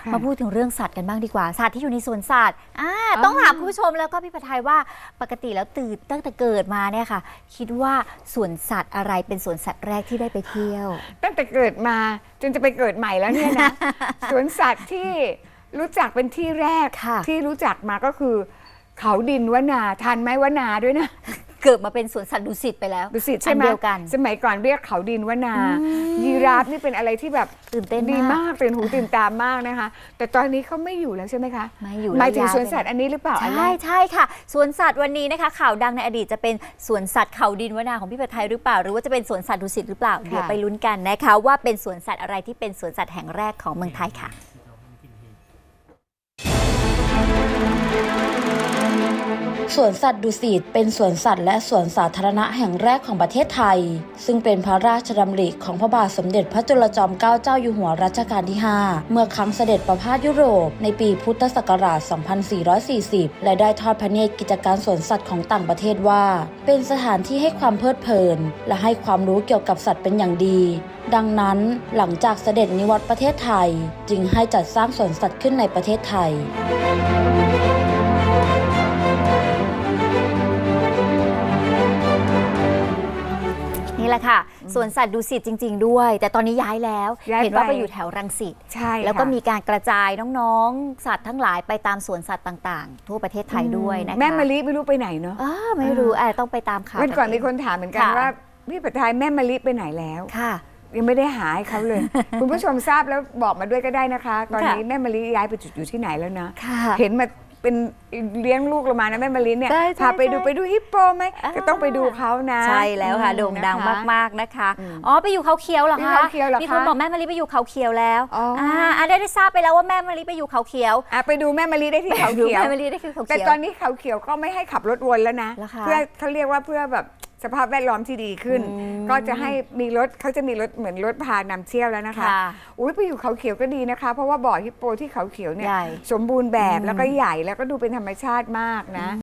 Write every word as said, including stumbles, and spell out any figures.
มาพูดถึงเรื่องสัตว์กันบ้างดีกว่าสัตว์ที่อยู่ในสวนสัตว์อ่าต้องถามคุณผู้ชมแล้วก็พี่ประทัยว่าปกติแล้วตื่นตั้งแต่เกิดมาเนี่ยค่ะคิดว่าสวนสัตว์อะไรเป็นสวนสัตว์แรกที่ได้ไปเที่ยวตั้งแต่เกิดมาจนจะไปเกิดใหม่แล้วเนี่ยนะ สวนสัตว์ที่รู้จักเป็นที่แรกที่รู้จักมาก็คือเขาดินวนาทันไหมวนาด้วยนะเกิดมาเป็นสวนสัตว์ดุสิตไปแล้วดุสิตใช่ไหมเดียวกันสมัยก่อนเรียกเขาดินวนายีราฟนี่เป็นอะไรที่แบบตื่นเต้นดีมากตื่นหูตื่นตามากนะคะแต่ตอนนี้เขาไม่อยู่แล้วใช่ไหมคะไม่อยู่หมายถึงสวนสัตว์อันนี้หรือเปล่าใช่ใช่ค่ะสวนสัตว์วันนี้นะคะข่าวดังในอดีตจะเป็นสวนสัตว์เขาดินวนาของพี่ประทัยหรือเปล่าหรือว่าจะเป็นสวนสัตว์ดุสิตหรือเปล่าเดี๋ยวไปลุ้นกันนะคะว่าเป็นสวนสัตว์อะไรที่เป็นสวนสัตว์แห่งแรกของเมืองไทยค่ะสวนสัตว์ดุสิตเป็นสวนสัตว์และสวนสาธารณะแห่งแรกของประเทศไทยซึ่งเป็นพระราชดำริของพระบาทสมเด็จพระจุลจอมเกล้าเจ้าอยู่หัวรัชกาลที่ห้าเมื่อครั้งเสด็จประพาสยุโรปในปีพุทธศักราช สองพันสี่ร้อยสี่สิบ และได้ทอดพระเนตรกิจการสวนสัตว์ของต่างประเทศว่าเป็นสถานที่ให้ความเพลิดเพลินและให้ความรู้เกี่ยวกับสัตว์เป็นอย่างดีดังนั้นหลังจากเสด็จนิวัตรประเทศไทยจึงให้จัดสร้างสวนสัตว์ขึ้นในประเทศไทยนี่แหละค่ะสวนสัตว์ดุสิตจริงๆด้วยแต่ตอนนี้ย้ายแล้วเห็นว่าไปอยู่แถวรังสิตใช่แล้วก็มีการกระจายน้องๆสัตว์ทั้งหลายไปตามสวนสัตว์ต่างๆทั่วประเทศไทยด้วยนะคะแม่มะลิไม่รู้ไปไหนเนาะไม่รู้แอบต้องไปตามข่าววันก่อนมีคนถามเหมือนกันว่าพี่ประทัยแม่มะลิไปไหนแล้วค่ะยังไม่ได้หาให้เขาเลย คุณผู้ชมทราบแล้วบอกมาด้วยก็ได้นะคะตอนนี้แม่มะลิย้ายไปจุดอยู่ที่ไหนแล้วนะเห็นมาเป็นเลี้ยงลูกเรามานะแม่มะลิเนี่ยพาไปดูไปดูฮิปโปไหมก็ต้องไปดูเขานะใช่แล้วค่ะโด่งดังมากๆนะคะอ๋อไปอยู่เขาเขียวเหรอคะมีคนบอกแม่มะลิไปอยู่เขาเขียวแล้วอ่าได้ได้ทราบไปแล้วว่าแม่มะลิไปอยู่เขาเขียวอ่ะไปดูแม่มะลิได้ที่เขาเขียวแม่มะลิได้ที่เขาเขียวแต่ตอนนี้เขาเขียวก็ไม่ให้ขับรถวนแล้วนะเพื่อเขาเรียกว่าเพื่อแบบสภาพแวดล้อมที่ดีขึ้นก็จะให้มีรถเขาจะมีรถเหมือนรถพานำเที่ยวแล้วนะคะอุ้ยไปอยู่เขาเขียวก็ดีนะคะเพราะว่าบ่อฮิปโปที่เขาเขียวเนี่ยสมบูรณ์แบบแล้วก็ใหญ่แล้วก็ดูเป็นธรรมชาติมากนะ